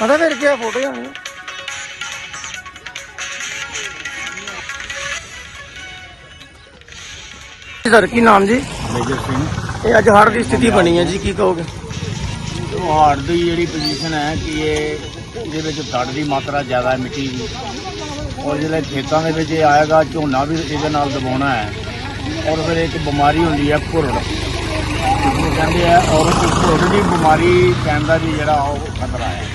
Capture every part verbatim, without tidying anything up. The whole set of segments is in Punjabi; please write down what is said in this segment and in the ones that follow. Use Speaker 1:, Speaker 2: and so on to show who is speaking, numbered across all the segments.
Speaker 1: पता फिर क्या फोटो आनी सर की नाम जी
Speaker 2: मेजर सिंह
Speaker 1: ये अज हड़ की स्थिति बनी है जी की कहोगे
Speaker 2: हाड़ की जी पोजीशन है कि ये ये फ्लड की मात्रा ज़्यादा है मिट्टी की और जो खेतों के आएगा झोना भी ये दबाना है और फिर एक बीमारी होंगी है घुरड़ जिसमें कहते हैं और घुरड़ की बीमारी पैन का भी जरा खतरा है।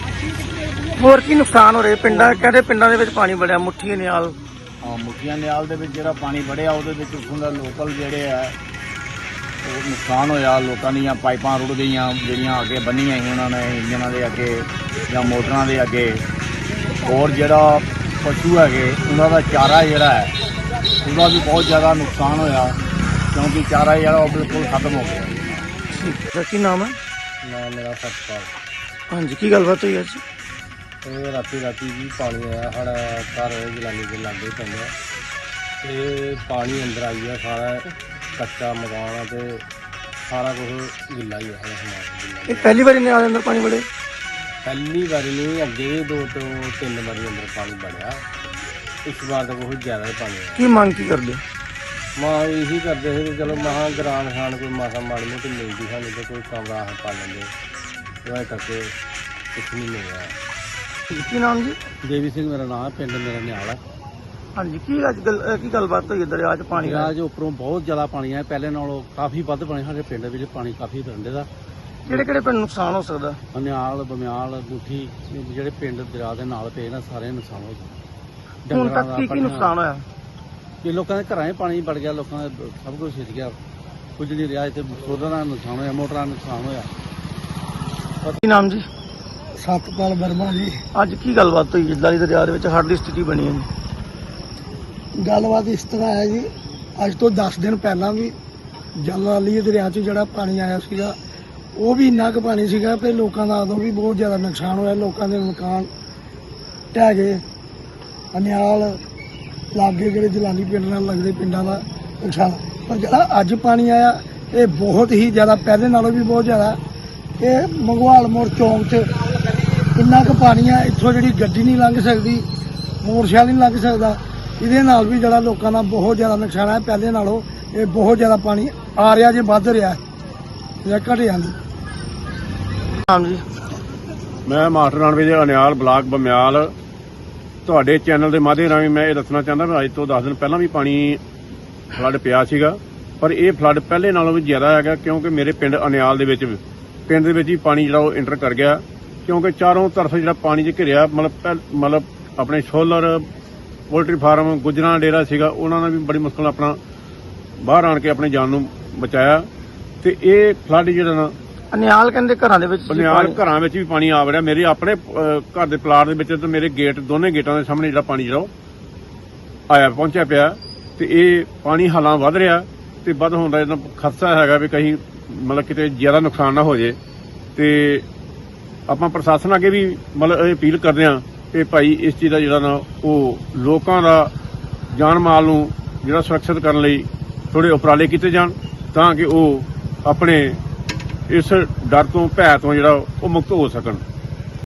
Speaker 1: होर की नुकसान हो रहे पिंडा कहते पिंडा दे विच पानी बढ़िया मुठ्ठी नियाल
Speaker 2: हाँ मुठिया नियाल दे विच जिहड़ा पानी बढ़िया वो उत्थों का लोकल जेहड़े है नुकसान होया लोगों दी पाइपां रुड़ गई जिहड़ियां अगे बन्नियां ही उन्होंने इंजनां दे अगे या मोटरां दे अगे और जिहड़ा पशु है उन्हों का चारा जिहड़ा है उसका भी बहुत ज़्यादा नुकसान होया क्योंकि चारा जिहड़ा वो बिल्कुल खत्म हो गया।
Speaker 1: सर की नाम है
Speaker 2: नाम मेरा सतपाल।
Speaker 1: हाँ जी की गलबात हुई अज
Speaker 2: ਇਹ ਰਾਤੀ ਰਾਤੀ ਜੀ ਪਾਣੀ ਆਇਆ ਸਾਡਾ ਘਰ ਜਲਾਨੀ ਦੇ ਲਾਗੇ ਪੈਂਦਾ ਤੇ ਪਾਣੀ ਅੰਦਰ ਆਈ ਆ ਸਾਰਾ ਕੱਚਾ ਮਕਾਨ ਆ ਤੇ ਸਾਰਾ ਕੁਝ ਗਿੱਲਾ ਹੀ ਹੋਇਆ ਸਮਾਨ
Speaker 1: ये पहली बार नियाल अंदर पानी बढ़े
Speaker 2: ਪਹਿਲੀ ਵਾਰੀ ਨਹੀਂ ਅੱਗੇ ਵੀ ਦੋ ਤੋਂ ਤਿੰਨ ਵਾਰੀ ਅੰਦਰ ਪਾਣੀ ਵੜਿਆ ਇਸ ਵਾਰ ਤਾਂ ਬਹੁਤ ਜ਼ਿਆਦਾ ਹੀ ਪਾਣੀ ਆਇਆ।
Speaker 1: की मांग की कर दे
Speaker 2: ਮਾਂ ਇਹੀ ਕਰਦੇ ਸੀ ਕਿ ਚਲੋ ਮਹਾਂ ਗ੍ਰਾਮ ਖਾਨ ਕੋਈ ਮਾਸਾ ਮਾੜੀ ਮੋਟੀ ਮਿਲਦੀ ਸਾਨੂੰ ਤੇ ਕੋਈ ਕਮਰਾ ਪਾ ਲੈਂਦੇ ਇਹ ਕਰਕੇ ਕੁਛ ਨਹੀਂ ਮਿਲਿਆ।
Speaker 1: की नाम जी
Speaker 2: ਦੇਵੀ ਸਿੰਘ ਮੇਰਾ ਨਾਮ ਪਿੰਡ ਮੇਰਾ ਨਿਆਲ ਹੈ।
Speaker 1: हाँ जी की अज गल की गलबात हुई दरिया च पानी
Speaker 2: ਦਰਿਆ 'ਚ ਉੱਪਰੋਂ ਬਹੁਤ ਜ਼ਿਆਦਾ ਪਾਣੀ ਆਇਆ ਪਹਿਲੇ ਨਾਲੋਂ ਕਾਫੀ ਵੱਧ ਪਾਣੀ ਸਾਡੇ ਪਿੰਡ ਵਿੱਚ ਪਾਣੀ ਕਾਫੀ ਰੰਡੇ ਦਾ
Speaker 1: ਕਿਹੜੇ ਕਿਹੜੇ ਪਿੰਡ ਨੁਕਸਾਨ ਹੋ ਸਕਦਾ
Speaker 2: ਅਨਿਆਲ ਬਮਿਆਲ ਗੁੱਠੀ ਜਿਹੜੇ ਪਿੰਡ ਦਰਿਆ ਦੇ ਨਾਲ ਪਏ ਨਾ ਸਾਰੇ ਨੁਕਸਾਨ ਹੋ ਗਏ।
Speaker 1: ਹੁਣ ਤੱਕ ਕੀ ਕੀ ਨੁਕਸਾਨ ਹੋਇਆ
Speaker 2: ਕਿ ਲੋਕਾਂ ਦੇ ਘਰਾਂ 'ਚ ਪਾਣੀ ਵੜ ਗਿਆ ਲੋਕਾਂ ਦਾ ਸਭ ਕੁਝ ਛਿੜ ਗਿਆ ਕੁਝ ਨਹੀਂ ਰਿਹਾ ਇੱਥੇ ਸੋਧਾਂ ਦਾ ਨੁਕਸਾਨ ਹੋਇਆ ਮੋਟਰਾਂ ਦਾ ਨੁਕਸਾਨ ਹੋਇਆ।
Speaker 1: ਕੀ ਨਾਮ ਜੀ
Speaker 2: ਸਤਪਾਲ ਵਰਮਾ ਜੀ।
Speaker 1: ਅੱਜ ਕੀ ਗੱਲਬਾਤ ਹੋਈ ਜਿੱਦਾਂ ਦੀ ਦਰਿਆ ਦੇ ਵਿੱਚ ਹੜ੍ਹ ਦੀ ਸਥਿਤੀ ਬਣੀ ਹੈ ਜੀ
Speaker 3: ਗੱਲਬਾਤ ਇਸ ਤਰ੍ਹਾਂ ਹੈ ਜੀ ਅੱਜ ਤੋਂ ਦਸ ਦਿਨ ਪਹਿਲਾਂ ਵੀ ਜਲਾਲੀ ਦਰਿਆ 'ਚ ਜਿਹੜਾ ਪਾਣੀ ਆਇਆ ਸੀਗਾ ਉਹ ਵੀ ਇੰਨਾ ਕੁ ਪਾਣੀ ਸੀਗਾ ਤੇ ਲੋਕਾਂ ਦਾ ਉਦੋਂ ਵੀ ਬਹੁਤ ਜ਼ਿਆਦਾ ਨੁਕਸਾਨ ਹੋਇਆ। ਲੋਕਾਂ ਦੇ ਮਕਾਨ ਢਹਿ ਗਏ ਅਨਿਆਲ ਲਾਗੇ ਜਿਹੜੇ ਜਲਾਲੀ ਪਿੰਡ ਨਾਲ ਲੱਗਦੇ ਪਿੰਡਾਂ ਦਾ ਨੁਕਸਾਨ। ਪਰ ਜਿਹੜਾ ਅੱਜ ਪਾਣੀ ਆਇਆ ਇਹ ਬਹੁਤ ਹੀ ਜ਼ਿਆਦਾ ਪਹਿਲੇ ਨਾਲੋਂ ਵੀ ਬਹੁਤ ਜ਼ਿਆਦਾ ਇਹ ਮੰਗਵਾਲ ਮੋੜ ਚੌਂਕ 'ਚ ਇੰਨਾ ਕੁ ਪਾਣੀ ਆ ਇੱਥੋਂ ਜਿਹੜੀ ਗੱਡੀ ਨਹੀਂ ਲੰਘ ਸਕਦੀ ਮੋਟਰਸਾਈਕਲ ਨਹੀਂ ਲੰਘ ਸਕਦਾ। ਇਹਦੇ ਨਾਲ ਵੀ ਜਿਹੜਾ ਲੋਕਾਂ ਦਾ ਬਹੁਤ ਜ਼ਿਆਦਾ ਨੁਕਸਾਨ ਹੈ ਪਹਿਲੇ ਨਾਲੋਂ ਇਹ ਬਹੁਤ ਜ਼ਿਆਦਾ ਪਾਣੀ ਆ ਰਿਹਾ ਜੇ ਵੱਧ ਰਿਹਾ ਜਾਂ ਘਟਿਆ ਨਹੀਂ।
Speaker 1: ਨਾਮ ਜੀ
Speaker 4: ਮੈਂ ਮਾਸਟਰ ਰਣਵੀਰ ਦੇ ਅਨਿਆਲ ਬਲਾਕ ਬਮਿਆਲ ਤੁਹਾਡੇ ਚੈਨਲ ਦੇ ਮਾਧਿਅਮ ਰਾਹੀਂ ਮੈਂ ਇਹ ਦੱਸਣਾ ਚਾਹੁੰਦਾ ਵੀ ਅੱਜ ਤੋਂ ਦਸ ਦਿਨ ਪਹਿਲਾਂ ਵੀ ਪਾਣੀ ਫਲੱਡ ਪਿਆ ਸੀਗਾ ਪਰ ਇਹ ਫਲੱਡ ਪਹਿਲੇ ਨਾਲੋਂ ਵੀ ਜ਼ਿਆਦਾ ਹੈਗਾ ਕਿਉਂਕਿ ਮੇਰੇ ਪਿੰਡ ਅਨਿਆਲ ਦੇ ਵਿੱਚ ਪਿੰਡ ਦੇ ਵਿੱਚ ਹੀ ਪਾਣੀ ਜਿਹੜਾ ਉਹ ਇੰਟਰ ਕਰ ਗਿਆ ਕਿਉਂਕਿ ਚਾਰੋਂ ਤਰਫ ਜਿਹੜਾ ਪਾਣੀ 'ਚ ਘਿਰਿਆ ਮਤਲਬ ਮਤਲਬ ਆਪਣੇ ਸੋਲਰ ਪੋਲਟਰੀ ਫਾਰਮ ਗੁੱਜਰਾਂ ਡੇਰਾ ਸੀਗਾ ਉਹਨਾਂ ਨੇ ਵੀ ਬੜੀ ਮੁਸ਼ਕਲ ਨਾਲ ਆਪਣਾ ਬਾਹਰ ਆਣ ਕੇ ਆਪਣੀ ਜਾਨ ਨੂੰ ਬਚਾਇਆ ਤੇ ਇਹ ਫਲੱਡ ਜਿਹੜਾ ਨਾ
Speaker 1: ਅਨਿਆਲ ਕਹਿੰਦੇ ਘਰਾਂ ਦੇ ਵਿੱਚ
Speaker 4: ਬਨਿਆਲ ਘਰਾਂ ਵਿੱਚ ਵੀ ਪਾਣੀ ਆ ਵੜਿਆ ਮੇਰੇ ਆਪਣੇ ਘਰ ਦੇ ਪਲਾਟ ਦੇ ਵਿੱਚ ਤੇ ਮੇਰੇ ਗੇਟ ਦੋਨੇ ਗੇਟਾਂ ਦੇ ਸਾਹਮਣੇ ਜਿਹੜਾ ਪਾਣੀ ਜਿਹੜਾ ਆਇਆ ਪਹੁੰਚਿਆ ਪਿਆ ਤੇ ਇਹ ਪਾਣੀ ਹਾਲਾਂ ਵੱਧ ਰਿਹਾ ਤੇ ਵੱਧ ਹੋਣ ਦਾ ਇਹਦਾ ਖਤਰਾ ਹੈਗਾ ਵੀ ਕहीं ਮਤਲਬ ਕਿਤੇ ਜ਼ਿਆਦਾ ਨੁਕਸਾਨ ਨਾ ਹੋ ਜੇ ਤੇ ਆਪਾਂ ਪ੍ਰਸ਼ਾਸਨ ਅੱਗੇ ਵੀ ਮਤਲਬ ਇਹ ਅਪੀਲ ਕਰਦੇ ਹਾਂ ਕਿ ਭਾਈ ਇਸ ਚੀਜ਼ ਦਾ ਜਿਹੜਾ ਨਾ ਉਹ ਲੋਕਾਂ ਦਾ ਜਾਨ ਮਾਲ ਨੂੰ ਜਿਹੜਾ ਸੁਰੱਖਿਅਤ ਕਰਨ ਲਈ ਥੋੜੇ ਉਪਰਾਲੇ ਕੀਤੇ ਜਾਣ ਤਾਂ ਕਿ ਉਹ ਆਪਣੇ ਇਸ ਡਰ ਤੋਂ ਭੈ ਤੋਂ ਜਿਹੜਾ ਉਹ ਮੁਕਤ ਹੋ ਸਕਣ।